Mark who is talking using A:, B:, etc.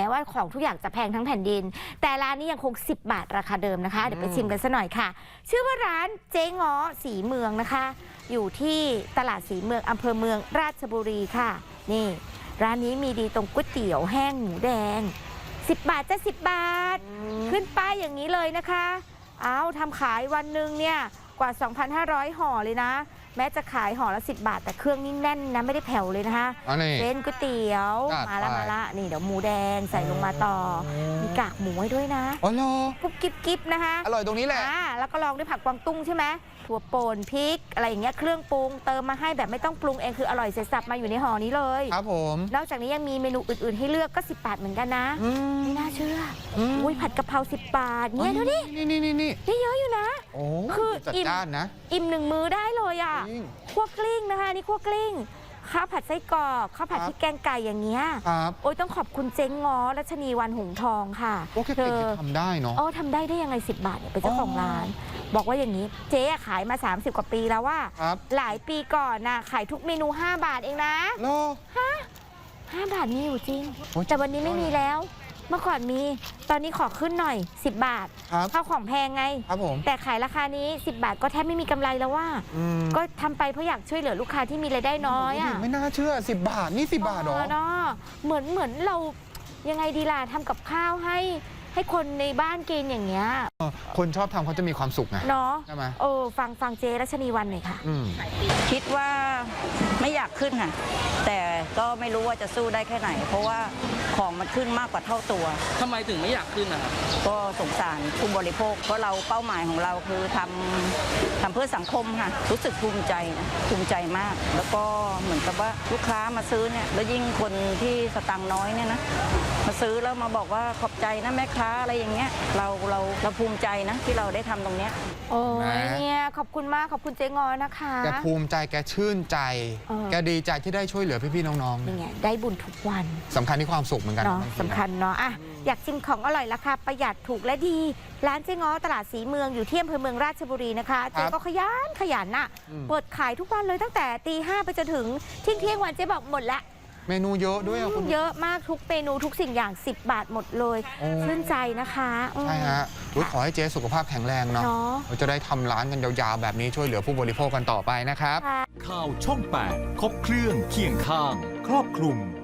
A: ว่าของทุกอย่างจะแพงทั้งแผ่นดินแต่ร้านนี้ยังคง10 บาทราคาเดิมนะคะเดี๋ยวไปชิมกันซะหน่อยค่ะชื่อว่าร้านเจ๊ง้อสีเมืองนะคะอยู่ที่ตลาดสีเมืองอำเภอเมืองราชบุรีค่ะนี่ร้านนี้มีดีตรงก๋วยเตี๋ยวแห้งหมูแดง10 บาทจะ10 บาทขึ้นป้ายอย่างนี้เลยนะคะเอาทำขายวันหนึ่งเนี่ยกว่า 2,500 ห่อเลยนะแม้จะขายห่อละ10 บาทแต่เครื่องนี่แน่นนะไม่ได้แผ่วเลยนะคะเส้นก๋วยเตี๋ยวมาละนี่เดี๋ยวหมูแดงใส่ลงมาต่อมีกากหมูให้ด้วยนะ
B: อ๋อเหรอ
A: กุ๊บกิ๊บนะคะ
B: อร่อยตรงนี้แหละ
A: แล้วก็ลองด้วยผักกวางตุ้งใช่ไหมถั่วป่นพริกอะไรอย่างเงี้ยเครื่องปรุงเติมมาให้แบบไม่ต้องปรุงเองคืออร่อยเสร็จสับมาอยู่ในห่อนี้เลย
B: ครับผม
A: นอกจากนี้ยังมีเมนูอื่นๆให้เลือกก็10 บาทเหมือนกันนะไม่น่าเชื่ออุ้ยผัดกะเพรา10 บาทเนี่ยดูดินี่เยอะอยู่นะ
B: คือจัดจ้านนะ
A: อิ่ม1 มื้อได้เลยอ่ะคั่วกลิ้งนะคะนี่คั่วกลิ้งข้าวผัดไส้กรอกข้าวผัดพริกแกงไก่อย่างเงี้ยโอ้ยต้องขอบคุณเจ๊ง้อรัชนีวันหงทองค่ะ
B: เธอทำได้เนาะ
A: ทำได้ยังไง10 บาทเนี่ยเป็นเจ้าของร้านบอกว่าอย่างนี้เจ๊ขายมา30 กว่าปีแล้วว่าหลายปีก่อนนะขายทุกเมนู5 บาทเองนะ5 บาทมีอยู่จริงแต่วันนี้ไม่มีแล้วเมื่อก่อนมีตอนนี้ขอขึ้นหน่อย10 บาทข้าวของแพงไงแต่ขายราคานี้10 บาทก็แทบไม่มีกำไรแล้วว่าก็ทำไปเพราะอยากช่วยเหลือลูกค้าที่มีรายได้น้อยอ่ะ
B: ไม่น่าเชื่อ10 บาทนี่10 บาทหรอ
A: เหมือนเรายังไงดีล่ะทำกับข้าวให้คนในบ้านกินอย่างเงี้ย
B: คนชอบทำเขาจะมีความสุขไง
A: เนาะ
B: ใช่ไหม
A: ฟังเจรัชนีวันหน่อยค่ะ
C: คิดว่าไม่อยากขึ้นค่ะแต่ก็ไม่รู้ว่าจะสู้ได้แค่ไหนเพราะว่าของมันขึ้นมากกว่าเท่าตัว
D: ทำไมถึงไม่อยากขึ้นนะครับ
C: ก็สงสารผู้บริโภคเพราะเราเป้าหมายของเราคือทำเพื่อสังคมค่ะรู้สึกภูมิใจมากแล้วก็เหมือนกับว่าลูกค้ามาซื้อเนี่ยแล้วยิ่งคนที่สตังค์น้อยเนี่ยนะมาซื้อแล้วมาบอกว่าขอบใจนะแม่ค้าอะไรอย่างเงี้ยเราภูมิใจนะที่เราได้ทำตรงเนี้ย
A: โอ้ยเนี่ยขอบคุณมากขอบคุณเจ๊งอนะคะ
B: แกภูมิใจแกชื่นใจแกดีใจที่ได้ช่วยเหลือพี่ๆน้องๆ
A: นี่ไงได้บุญทุกวัน
B: สำคัญที่ความสุขเหมือนกัน
A: เนาะสำคัญเนาะอยากชิมของอร่อยราคาประหยัดถูกและดีร้านเจ๊ง้อตลาดสีเมืองอยู่ที่อำเภอเมืองราชบุรีนะคะเจ๊ก็ขยันน่ะเปิดขายทุกวันเลยตั้งแต่ตี 5ไปจนถึงเที่ยงวันเจ๊บอกหมดละ
B: เมนูเยอะด้วยคุณ
A: เยอะมากทุกเมนูทุกสิ่งอย่าง10 บาทหมดเลยชื่นใจนะคะ
B: ใช่ฮะขอให้เจ๊สุขภาพแข็งแรงเนาะเราจะได้ทำร้านกันยาวๆแบบนี้ช่วยเหลือผู้บริโภคกันต่อไปนะครับ
E: ข่าวช่อง 8 ครบเครื่องเคียงข้างครอบคลุม